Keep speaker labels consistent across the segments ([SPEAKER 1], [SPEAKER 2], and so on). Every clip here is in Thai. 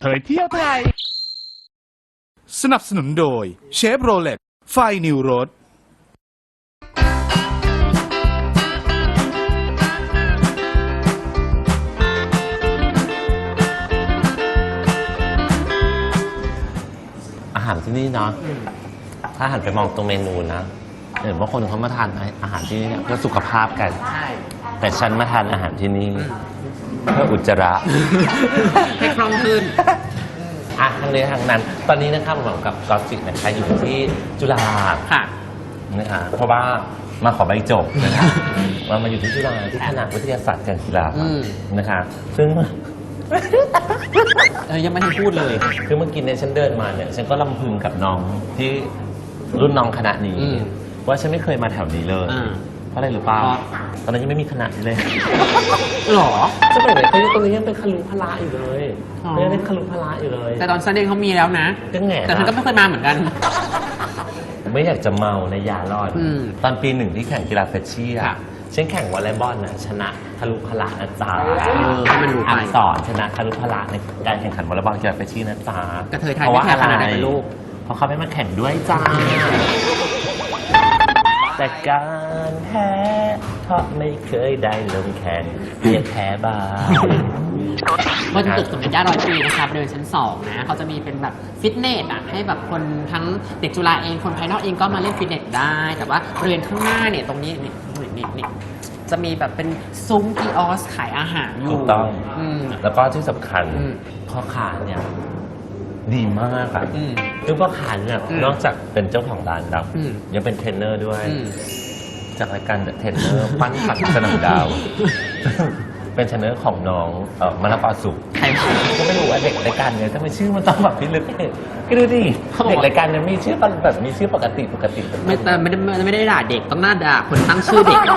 [SPEAKER 1] ผยเที่ยวไทยสนับสนุนโดยเชฟโรเลตไฟนิวโรส
[SPEAKER 2] อาหารที่นี่เนาะถ้าหันไปมองตรงเมนูนะเห็นว่าคนเขามาทานอาหารที่นี่เพื่อสุขภาพกันแต่ฉันมาทานอาหารที่นี่เพื่ออุจจาระ
[SPEAKER 3] ให้คล่องขึ้น
[SPEAKER 2] ทั้งนี้ทั้งนั้นตอนนี้นะครับผมกับกอล์ฟจินะคะอยู่ที่จุฬา
[SPEAKER 3] ค่ะ
[SPEAKER 2] นะคะเพราะว่ามาขอใบจบนะคะมาอยู่ที่จุฬาที่คณะวิทยาศาสตร์การกีฬานะคะซึ่ง
[SPEAKER 3] ยังไม่ได้พูดเลย
[SPEAKER 2] คือเมื่อกี้เนี่ยฉันเดินมาเนี่ยฉันก็ลำพึงกับน้องที่รุ่นน้องคณะนี้ว่าฉันไม่เคยมาแถวนี้เลยเพราะอะไรหรือเปล่าตอนนั้นยังไม่มีคณะนี้เลย
[SPEAKER 3] หรอ
[SPEAKER 2] สมัยไหนเขายังตรงนี้ยังเป็นคลุพละอยู่เลยยังเป็นคลุพละอยู่เลย
[SPEAKER 3] แต่ตอนซันเดย์เขามีแล้วนะแต่ฉันก็ไม่เคยมาเหมือนกัน
[SPEAKER 2] ไม่อยากจะเมาในยาลอดตอนปีหนึ่งที่แข่งกีฬาเฟชชี่ฉันแข่งวอลเลย์บอลนะชนะคลุพละนะจ๊ะอักษรชนะคลุพละในการแข่งขันวอลเลย์บอลกีฬาเฟชชี่นะจ๊ะ
[SPEAKER 3] เพราะว่าอะไร
[SPEAKER 2] ลูกเพราะเขาไม่มาแข่งด้วยจ้าแต่การแพ้เพราะไม่เคยได้ลงแข่งเพียงแพ้บ้าง
[SPEAKER 3] บนตึกสมเด็จย่า100 ปีนะครับบริเวณชั้น2นะเขาจะมีเป็นแบบฟิตเนสให้แบบคนทั้งเด็กจุฬาเองคนภายนอกเองก็มาเล่นฟิตเนสได้แต่ว่าบริเวณข้างหน้าเนี่ยตรงนี้นี่จะมีแบบเป็นซุ้มกิออสขายอาหารอยู่
[SPEAKER 2] ถูกต้องแล้วก็ที่สำคัญพ่อค้าเนี่ยดีมากอ่ะคือพ่อค้าเนี่ยนอกจากเป็นเจ้าของร้านแล้วยังเป็นเทรนเนอร์ด้วยจากรายการเทรนเนอร์ปั้นผัดสนามดาวเป็นเทรนเนอร์ของน้องมะละกอสุกก็ไม่รู้ว่าเด็กรายการเนี่ยทำไมชื่อมันต้องแบบพิลึกก็ดูดิเด็กรายการเนี่ยมีชื่อแบบมีชื่อปกติ
[SPEAKER 3] ไม่ได้ด่าเด็กต้องน่าด่าคนตั้งชื่อเด็ก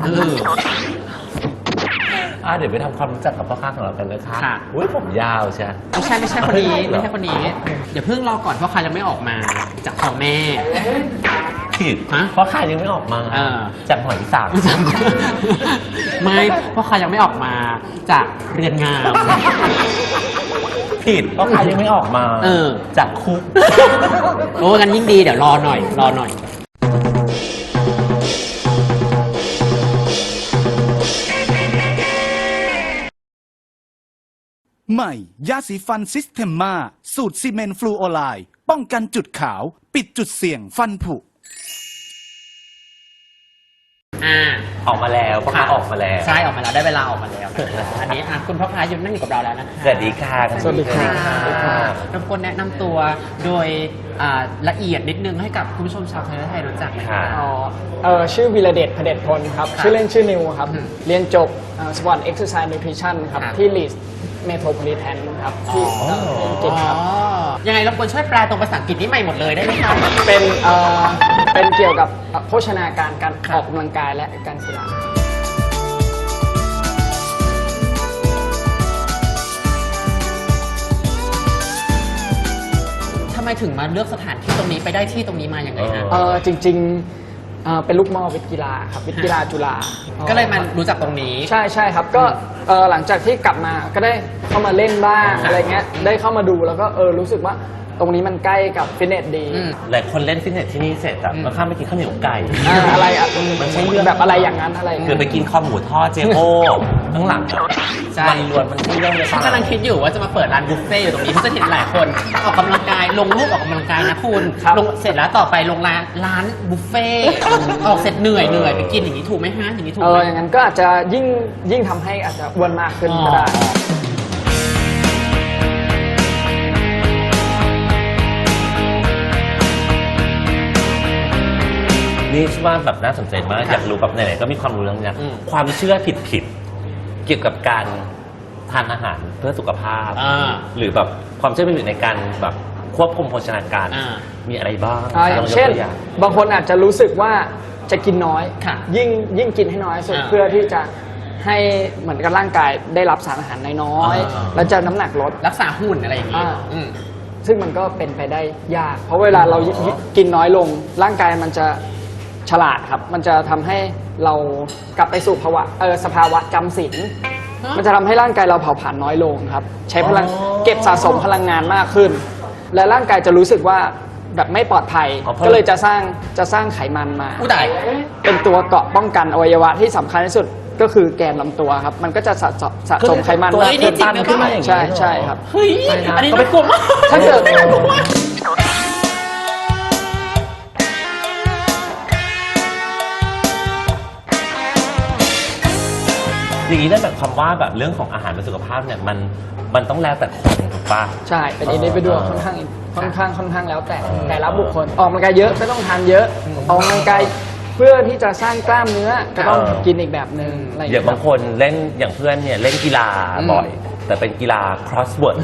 [SPEAKER 2] เดี๋ยวไปทำความรู้จักกับพ่อค้าของเรากันเลยค่ะอุ้ยผมยาวใช่
[SPEAKER 3] ไม่ใช่คนนี้ไม่ใช่คนนี้เดี๋ยวเพิ่งรอก่อนพ่อค้ายังไม่ออกมาจากท้องแม่
[SPEAKER 2] ผิดพ่อค้ายังไม่ออกมาจากหอยสัง
[SPEAKER 3] ไม่พ่อค้ายังไม่ออกมาจากเรือนงาม
[SPEAKER 2] ผิดพ่อค้ายังไม่ออกมาจากคุก
[SPEAKER 3] โอ้กันยิ่งดีเดี๋ยวรอหน่อย
[SPEAKER 1] ใหม่ยาสีฟันซิสเทมมาสูตรซีเมนต์ฟลูออไรด์ป้องกันจุดขาวปิดจุดเสี่ยงฟันผุ
[SPEAKER 2] ออกมาแล้วพ่อค้าออกมาแล้ว
[SPEAKER 3] ใช่ออกมาแล้วได้เวลาออกมาแล้วอันนี้คุณพ่อค้าอยู่นั่งอยู่กับเราแล้วนะ
[SPEAKER 2] สวัสดีค่ะ
[SPEAKER 3] สวัสดีค่ะรบกวนแนะนำตัวโดยละเอียดนิดนึงให้กับคุณผู้ชมชาวไทยรู้จัก
[SPEAKER 2] ค่ะ
[SPEAKER 4] ชื่อวีระเดชเผด็จพลครับชื่อเล่นชื่อนิวครับเรียนจบสปอร์ตเอ็กซ์ไซส์นิวทริชั่นครับที่ลีสเมโทรโพลิแทนครับที่อังกฤษครับ
[SPEAKER 3] ยังไงรบกวนช่วยแปลตรงภาษาอังกฤษนี้ใหม่หมดเลยได้ไหมครับ
[SPEAKER 4] เป็นเกี่ยวกับโภชนาการการออกกำลังกายและการกีฬา
[SPEAKER 3] ทำไมถึงมาเลือกสถานที่ตรงนี้ไปได้ที่ตรงนี้มาอย่างไรนะ
[SPEAKER 4] จริงเป็นลูกหม้อวิทย์กีฬาครับวิทย์กีฬาจุฬา
[SPEAKER 3] ก็เลยมารู้จักตรงนี้
[SPEAKER 4] ใช่ครับก็หลังจากที่กลับมาก็ได้เข้ามาเล่นบ้างอะไรเงี้ยได้เข้ามาดูแล้วก็รู้สึกว่าตรงนี้มันใกล้กับฟิตเนสดี
[SPEAKER 2] หลายคนเล่นฟิตเนสที่นี่เสร็จมาข้ามไปกินข้าวเหนียวไก่
[SPEAKER 4] อะไร
[SPEAKER 2] มันใช่เรื่อง
[SPEAKER 4] แบบอะไรอย่างนั้นอะไร
[SPEAKER 2] คือไปกินข้าวหมูทอดเจโอข้างหลังมันล้วนมันใช่เรื่องเลย
[SPEAKER 3] กำลังคิดอยู่ว่าจะมาเปิดร้านบุฟเฟ่ต์อยู่ตรงนี้เพราะจะเห็นหลายคนออกกำลังกายลงรูปออกกำลังกายนะคุณลงเสร็จแล้วต่อไปลงร้านบุฟเฟ่ต์ออกเสร็จเหนื่อยไปกินอย่างนี้ถูกไหมฮะอย่างนี้ถูก
[SPEAKER 4] อย่างนั้นก็อาจจะยิ่งทำให้อาจจะอ้วนมากขึ้นก็ได้
[SPEAKER 2] นี่ชื่อว่าแบบน่าสนใจมากอยากรู้แบบไหนๆก็มีความรู้เรื่องนี้ความเชื่อผิดเกี่ยวกับการทานอาหารเพื่อสุขภาพหรือแบบความเชื่อผิดในการแบบควบคุมโภชนาการมีอะไรบ้าง
[SPEAKER 4] อย่างเช่นบางคนอาจจะรู้สึกว่าจะกินน้อยยิ่งกินให้น้อยสุดเพื่อที่จะให้เหมือนกับร่างกายได้รับสารอาหารน้อยแล้วจะน้ำหนักลด
[SPEAKER 3] รักษาหุ่นอะไรอย่างนี้
[SPEAKER 4] ซึ่งมันก็เป็นไปได้ยากเพราะเวลาเรากินน้อยลงร่างกายมันจะฉลาดครับมันจะทำให้เรากลับไปสู่สภาวะจำศีลมันจะทำให้ร่างกายเราเผาผลาญน้อยลงครับใช้พลังเก็บสะสมพลังงานมากขึ้น และร่างกายจะรู้สึกว่าแบบไม่ปลอดภัยก็เลยจะสร้างไขมันมา
[SPEAKER 3] อู้ตาย
[SPEAKER 4] เป็นตัวเกราะป้องกันอวัยวะที่สำคัญที่สุดก็คือแกนลำตัวครับมันก็จะสะสมไขมัน
[SPEAKER 2] ตัว
[SPEAKER 4] มาก
[SPEAKER 2] นี้
[SPEAKER 4] ขึ้น
[SPEAKER 2] จริงนะขึ้นมาอย่างนี้
[SPEAKER 4] ใช่ครับ
[SPEAKER 3] เฮ้ย อันนี้น่ากลัวมาก
[SPEAKER 4] ถ้าเกิด
[SPEAKER 2] อย่างนี้นั่นหมายความว่าแบบเรื่องของอาหารเป็นสุขภาพเนี่ยมันต้องแล้วแต่คนถูกปะ
[SPEAKER 4] ใช่เป็นอินดิวิวค่อนข้างแล้วแต่ละบุคคลออกกำลังกายเยอะก็ต้องทานเยอะออกกำลังกายเพื่อที่จะสร้างกล้ามเนื้อก็ต้องกินอีกแบบหนึ่งอะไรอย่าง
[SPEAKER 2] อย่าง
[SPEAKER 4] เงี้ย
[SPEAKER 2] บางคนเล่นอย่างเพื่อนเนี่ยเล่นกีฬาบ่อย แต่เป็นกีฬา crossword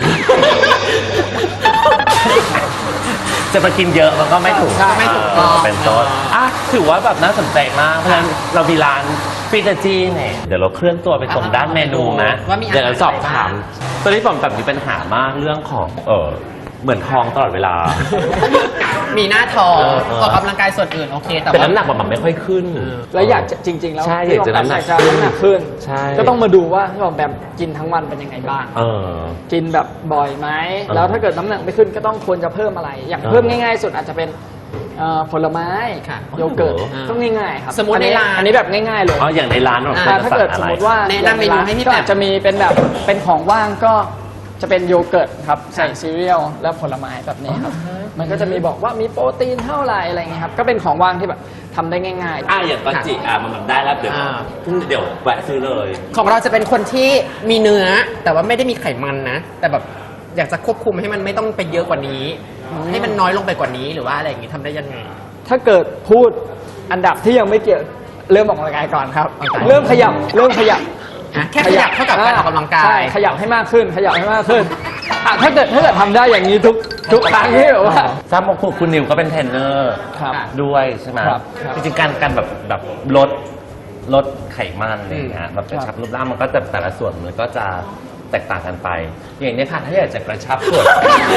[SPEAKER 2] จะมากินเยอะมันก็ไม่ถูก
[SPEAKER 4] ใช่
[SPEAKER 3] ไม่ถูกต้อง
[SPEAKER 2] เป็นต้นถือว่าแบบน่าสนใจมากเพราะฉะนั้นเรามีร้านฟิตาจีเนี่ยเดี๋ยวเราเคลื่อนตัวไปตรงด้านเมนูนะ
[SPEAKER 3] ว่ามีอาหาร
[SPEAKER 2] เดี๋ยวเราสอบถาม
[SPEAKER 3] อะไรบ้าง
[SPEAKER 2] ตอนนี้ผมแบบมีปัญหามากเรื่องของเหมือนท้องตลอดเวลา
[SPEAKER 3] มีหน้าท้อง
[SPEAKER 2] เออ
[SPEAKER 3] ออกกำลังกายส่วนอื่นโอเค แต่
[SPEAKER 2] แต่
[SPEAKER 3] ว่า
[SPEAKER 2] น้ำหนักมันไม่ค่อยขึ้น
[SPEAKER 4] แล้วอยากจะจริง ๆ แล้ว
[SPEAKER 2] ใช่
[SPEAKER 4] ที่
[SPEAKER 2] อยากจะ
[SPEAKER 4] บ
[SPEAKER 2] น้ำหนัก
[SPEAKER 4] จะน้ำหนักขึ้น
[SPEAKER 2] ใช่
[SPEAKER 4] ก็ต้องมาดูว่าที่บอกแบบกินทั้งวันเป็นยังไงบ้าง กินแบบบ่อยไหม แล้วถ้าเกิดน้ำหนักไม่ขึ้นก็ต้องควรจะเพิ่มอะไร อย่างเพิ่มง่ายๆสุดอาจจะเป็นผลไม้
[SPEAKER 3] ค่ะ
[SPEAKER 4] โยเกิร์ต
[SPEAKER 2] โอ้โห
[SPEAKER 4] ต้องง่ายๆครับ
[SPEAKER 3] สมมุติในร้าน
[SPEAKER 4] อันนี้แบบง่ายๆเลย
[SPEAKER 2] อ๋ออย่างในร้านเรา
[SPEAKER 3] อ่า
[SPEAKER 4] ถ้าเกิดสมมติว่า
[SPEAKER 3] แนะนำเมนูให้พี่
[SPEAKER 4] ก็
[SPEAKER 3] แปม
[SPEAKER 4] อาจจะมีเป็นแบบเป็นของว่างก็จะเป็นโยเกิร์ตครับใส่ซีเรียลและผลไม้แบบนี้ครับมันก็จะมีบอกว่ามีโปรตีนเท่าไหร่อะไรเงี้ยครับก็เป็นของว่างที่แบบทำได้ง่ายๆ
[SPEAKER 2] อย่างตอนจิมันแบบได้แล้วเดี๋ยวแวะซื้อเลย
[SPEAKER 3] ของเราจะเป็นคนที่มีเนื้อ แต่ว่าไม่ได้มีไขมันนะ แต่แบบอยากจะควบคุมให้มันไม่ต้องไปเยอะกว่านี้ ให้มันน้อยลงไปกว่านี้หรือว่าอะไรอย่างงี้ทำได้ยังไง
[SPEAKER 4] ถ้าเกิดพูดอันดับที่ยังไม่เกี่ยวเริ่มออกกำลังกายก่อนครับ
[SPEAKER 3] ออกกำลังกาย
[SPEAKER 4] เริ่มขยับ
[SPEAKER 3] แค่ขยับเท่ากับการออกกำลังกาย
[SPEAKER 4] ใช่ขยับให้มากขึ้นขยับให้มากขึ้นถ้าเกิดทำได้อย่างนี้ทุกครั้งที่แบบว่า
[SPEAKER 2] ทราบว่าคุณนิวก็เป็นเทรนเนอร์
[SPEAKER 4] ครับ
[SPEAKER 2] ด้วยใช่ไหม
[SPEAKER 4] ครับ
[SPEAKER 2] จริงๆการแบบลดไขมันอะไรอย่างเงี้ยแบบกระชับรูปร่างมันก็จะแต่ละส่วนมันก็จะแตกต่างกันไป อย่างนี้ค่ะถ้าอยากจะกระชับส่วน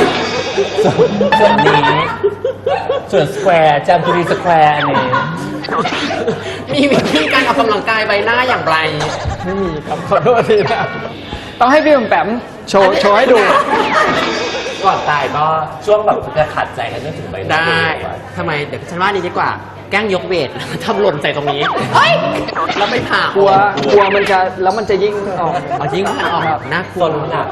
[SPEAKER 2] นี้ส่วนสแควร์จำจุรีสแควร์อันนี้
[SPEAKER 3] มีวิธีการออกกำลังกายใบหน้าอย่างไร
[SPEAKER 4] ไม่มีครับขอโทษทีนะต้องให้พี่แปมโชว์ให้ดู
[SPEAKER 2] ก่อนตายก็ช่วงแบบจะขัดใจกันจนถึงใบหน้า
[SPEAKER 3] ได้ทำไมเดี๋ยวฉันว่านี้ดีกว่า แกล้งยกเวท ทำหล่นใส่ตรงนี้ เฮ้ย แล้วไม่ผ่าก
[SPEAKER 4] ลัวมันจะแล้วมันจะยิ่งออก
[SPEAKER 3] เอายิ่งมันออกแบบน่ากลัว
[SPEAKER 2] ต้นหนัก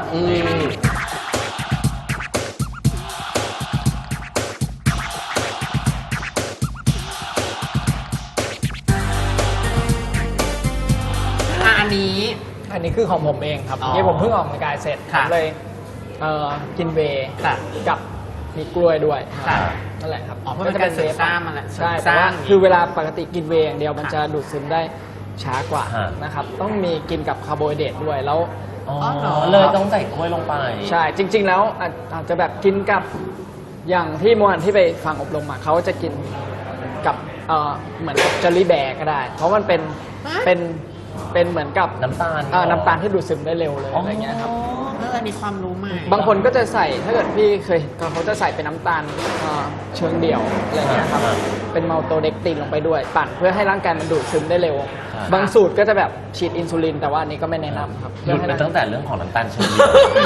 [SPEAKER 3] อันนี้
[SPEAKER 4] อันนี้คือของผมเองครับ
[SPEAKER 3] อ๋อ
[SPEAKER 4] นี่ผมเพิ่งออกกำลังกายเสร็จผ
[SPEAKER 3] ค่ะ
[SPEAKER 4] มเลยกินเวย์
[SPEAKER 3] ค่ะ
[SPEAKER 4] กับมีกล้วยด้วย
[SPEAKER 3] ค่ะ
[SPEAKER 4] นั่นแหละครับ
[SPEAKER 3] อ๋อเพราะเป็นการเสริมสร้างมันแหละ
[SPEAKER 4] ใช่
[SPEAKER 3] เสริมส
[SPEAKER 4] แต่
[SPEAKER 3] ร้า
[SPEAKER 4] ว่าง คือเวลาปกติกินเวย์อย่างเดียวมันจะดูดซึมได้ช้ากว่า
[SPEAKER 2] ฮะ
[SPEAKER 4] นะครับต้องมีกินกับคาร์โบไฮเดรตด้วยแล้ว
[SPEAKER 2] อ๋อเลยต้องใส่กล้วยลงไป
[SPEAKER 4] ใช่จริง ๆ แล้วอาจจะแบบกินกับอย่างที่เมื่อวานที่ไปฟังอบรมมาเขาจะกินกับเหมือนกับเจลลี่แบร์ก็ได้ เพราะมันเป็นเหมือนกับ
[SPEAKER 2] น้ำตาล
[SPEAKER 4] น้ำตาลที่ดูดซึมได้เร็วเลยอะไรเงี้ยครับ
[SPEAKER 3] อันนี้ความรู้ใหม่
[SPEAKER 4] บางคนก็จะใส่ถ้าเกิดพี่เคยเขาจะใส่เป็นน้ำตาลเชิงเดี่ยวอะไรเงี้ยครับเป็นมัลโตเด็กตินลงไปด้วย ปั่นเพื่อให้ร่างกายมันดูดซึมได้เร็ว บางสูตรก็จะแบบฉีดอินซูลิน แต่ว่าอันนี้ก็ไม่แนะนำครับ
[SPEAKER 2] หยุดไปตั้งแต่เรื่องของน้ำตาลเชอรี่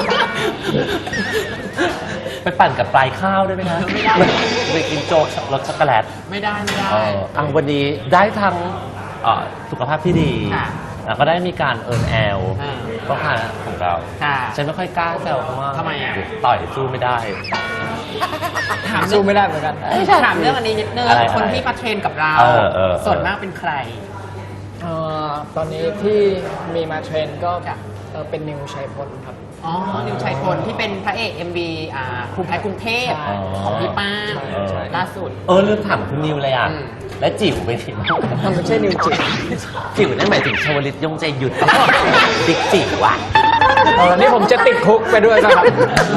[SPEAKER 2] ไปปั่นกับปลายข้าวได้ไหมคะ
[SPEAKER 3] ไม่ได้
[SPEAKER 2] ไปกินโจ๊กรสช็อกโกแลต
[SPEAKER 3] ไม่ได้
[SPEAKER 2] วันนี้ได้ทั้งสุขภาพที่ดี
[SPEAKER 3] ค่ะ
[SPEAKER 2] แล้วก็ได้มีการเอิร์นแอล
[SPEAKER 3] อ่า
[SPEAKER 2] ก็ค่ะของเรา
[SPEAKER 3] ค่ะ
[SPEAKER 2] ฉันไม่ค่อยกล้าแซวเพราะว่า
[SPEAKER 3] ทำไมอ่ะ
[SPEAKER 2] ต่อยสู้ไม่ได้
[SPEAKER 3] ถาม
[SPEAKER 4] สู้ไม่ได้เหมือนกัน
[SPEAKER 3] ถามเรื่องอันนี้นิดนึง
[SPEAKER 2] อะไร
[SPEAKER 3] คนที่มาเทรนกับเรา ส่วนมากเป็นใคร
[SPEAKER 4] ตอนนี้ที่มีมาเทรนก็เป็นนิวชัยพลครับ
[SPEAKER 3] อ๋อ นิวชัยพลที่เป็นพระเอก MV ภูมิแพ้กรุงเทพ
[SPEAKER 4] ใช่
[SPEAKER 3] ของพี่ป้าน
[SPEAKER 4] ใช่
[SPEAKER 3] ล่าสุด
[SPEAKER 2] ลืมถามคุณนิวเลยอ่ะ
[SPEAKER 3] อืม
[SPEAKER 2] และจิ๋วไปทีบ้าง
[SPEAKER 4] มันไม่ใช่นิวจิต
[SPEAKER 2] จิ๋วนั่นหมายถึงชวลิตยงใจหยุด ติ๊กจิ๋วอ่ะ
[SPEAKER 4] นี่ผมจะติดคุกไปด้วยนะครับ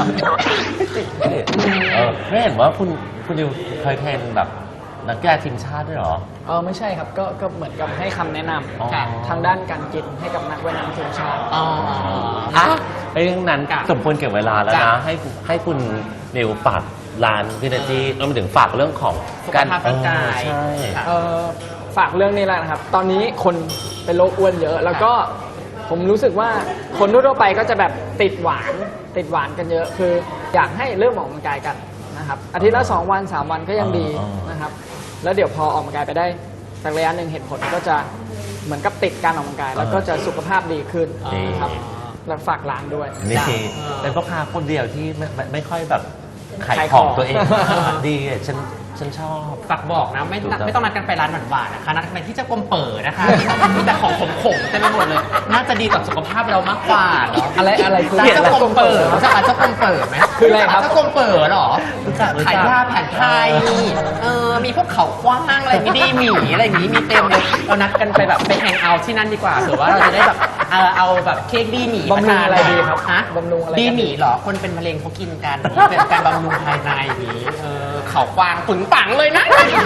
[SPEAKER 2] ไม่เห็นว่าคุณนิวเคยเทรนแบบนักกีฬาทีมชาติด้วยเหรอ
[SPEAKER 4] ไม่ใช่ครับก็เหมือนกับให้คำแนะน
[SPEAKER 2] อ๋อ
[SPEAKER 4] ำทางด้านการกินให้กับนักว่ายน้ำทีมชาติ
[SPEAKER 3] อ๋อ
[SPEAKER 2] เรื่องนั้น
[SPEAKER 3] ค่ะ
[SPEAKER 2] สมควรเก็บเวลาแล้ว
[SPEAKER 3] จ้ะ
[SPEAKER 2] นะ ให้คุณนิวฝากร้านวินาทีรวมถึงฝากเรื่องของ
[SPEAKER 3] สุขภาพร่างกาย
[SPEAKER 2] ใช่
[SPEAKER 3] ค่ะ
[SPEAKER 4] ฝากเรื่องนี้แหละนะครับ ตอนนี้คนเป็นโรคอ้วนเยอะ แล้วก็ผมรู้สึกว่าคนทั่วๆไปก็จะแบบติดหวานกันเยอะ คืออยากให้เริ่มออกกำลังกายกันนะครับอาทิตย์ละ2 วัน 3 วันก็ยังดีนะครับแล้วเดี๋ยวพอออกกำลังกายไปได้สักระยะหนึ่งเห็นผลก็จะเหมือนกับติดการออกกำลังกาย แล้วก็จะสุขภาพดีขึ้นนะครับแล้วฝากร้านด้วย
[SPEAKER 2] นี่เป็นพ่อค้าคนเดียวที่ไม่ค่อยแบบขายของตัวเอง ดีอ่ะฉันชอบ
[SPEAKER 3] ฝากบอกนะไม่ต้องนัดกันไปร้านหวานๆนะคะนัดกันไปที่เจ้ากรมเปิดนะคะมีแต่ของขมๆเต็มไปหมดเลยน่าจะดีต่อสุขภาพเรามากกว่าเนาะ
[SPEAKER 4] อะไรคือ
[SPEAKER 3] ร้านเจ้ากรมเปิดรู้จักร้านเจ้ากรมเปิดไหม
[SPEAKER 4] คืออะไรครับ
[SPEAKER 3] เจ้ากรมเปิดเหรอ
[SPEAKER 2] รู้จัก
[SPEAKER 3] ขายยาแผนไทยมีพวกเขากว้างอะไรมีดีหมีอะไรอย่างนี้มีเต็มเลยเรานัดกันไปแบบไปแฮงเอาท์ที่นั่นดีกว่าเผื่อว่าเราจะได้แบบเอาแบบเค้กดีหมี
[SPEAKER 4] บำรุงอะไรดีครับ
[SPEAKER 3] ฮะ
[SPEAKER 4] บำรุงอะไร
[SPEAKER 3] ดีหมีเหรอคนเป็นมะเร็งเขากินกันเป็นการบำรุงภายในอย่างนี้เขากวางปึงปังเลยนะ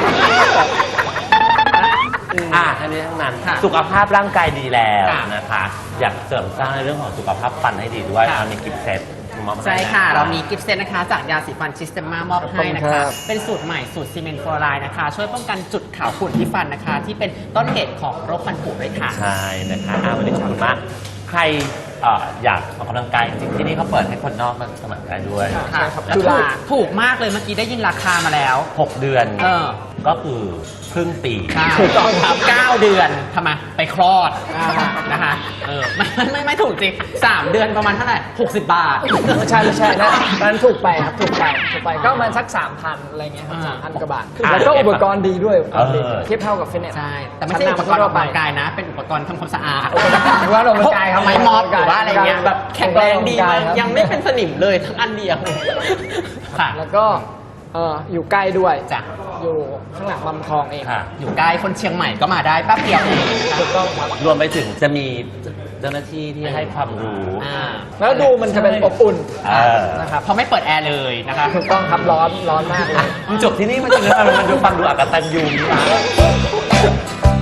[SPEAKER 2] ทั้งนี้ทั้งนั้น
[SPEAKER 3] ค่ะ
[SPEAKER 2] สุขภาพร่างกายดีแล้ว
[SPEAKER 3] ค่ะ
[SPEAKER 2] นะคะ อยากเสริมสร้างในเรื่องของสุขภาพฟันให้ดีด้วย
[SPEAKER 3] ค่ะ
[SPEAKER 2] มีกิฟต์เซตมอบให้
[SPEAKER 3] ใช่ค่ะ
[SPEAKER 2] น
[SPEAKER 3] เรามีกิฟต์เซตนะคะ จากยาสีฟันซิสเตมมามอบให้นะ
[SPEAKER 4] ขอบคุณครั
[SPEAKER 3] คะ
[SPEAKER 4] บ
[SPEAKER 3] เป็นสูตรใหม่สูตรซีเมนต์ฟลูออไรด์นะคะ ช่วยป้องกันจุดขาวขุ่นที่ฟันนะคะ ที่เป็นต้นเหตุของโรคฟันผุด้วยค่ะ
[SPEAKER 2] ใช่นะคะวันนี้ขอบคุณมากใครอยากออกกำลังกายจริงๆที่นี่เขาเปิดให้คนนอกมาสมัครได้ด้วย
[SPEAKER 4] ใช่ครับ
[SPEAKER 2] แล้ว
[SPEAKER 4] จุฬา
[SPEAKER 3] ถูกมากเลยเมื่อกี้ได้ยินราคามาแล้ว
[SPEAKER 2] 6 เดือน ก็คือครึ่งปี
[SPEAKER 3] ใช่
[SPEAKER 4] ถูกต้องครับ
[SPEAKER 3] 9 เดือนทำไมไปคลอด
[SPEAKER 4] อ่า
[SPEAKER 3] นะคะไม่ถูกจริง 3 เดือนประมาณเท่าไหร่60 บาท
[SPEAKER 4] ไม่ใช่นะตอนนั้นถูกไปครับถูกไปก็ประมาณสัก 3,000 อะไรเงี้ยครับ 3,000 กว่าบาท แล้วก็อุปกรณ์ดีด้วยอุปกรณ์ดีเทียบเท่ากับฟิตเนส
[SPEAKER 3] ใช่ แต่ไม่ใช่อุปกรณ์ออกกำลังกายนะ เป็นอุปกรณ์ทำความสะอาด
[SPEAKER 4] อุปกรณ์ออกกำลังกายครับ
[SPEAKER 3] ไม้ม็อบหรือว่าอะไรเงี้ยแบบแข็งแรงดีมาก
[SPEAKER 4] ครับ
[SPEAKER 3] ยังไม่เป็นสนิมเลยทั้งอันเดียวค่ะ
[SPEAKER 4] แล้วก็อยู่ใกล้ด้วย
[SPEAKER 3] จ้ะ
[SPEAKER 4] อยู่ข้างหลังบำคลองเอง
[SPEAKER 2] ค่ะ
[SPEAKER 3] อยู่ใกล้คนเชียงใหม่ก็มาได้แป๊บเดียวเอง
[SPEAKER 4] ถูกต้องครับ
[SPEAKER 2] รวมไปถึงจะมีเจ้าหน้าที่ที่ให้ความรู้
[SPEAKER 4] แล้วดูมันจะเป็นอบอุ่น
[SPEAKER 3] นะครับ เพราะไม่เปิดแอร์เลยนะคะ
[SPEAKER 4] ถูกต้องครับร้อนมากเลย
[SPEAKER 2] มันจบที่นี่มันจะเรื่องอะไรมันดูฟังดูอักตันยูนี่นะ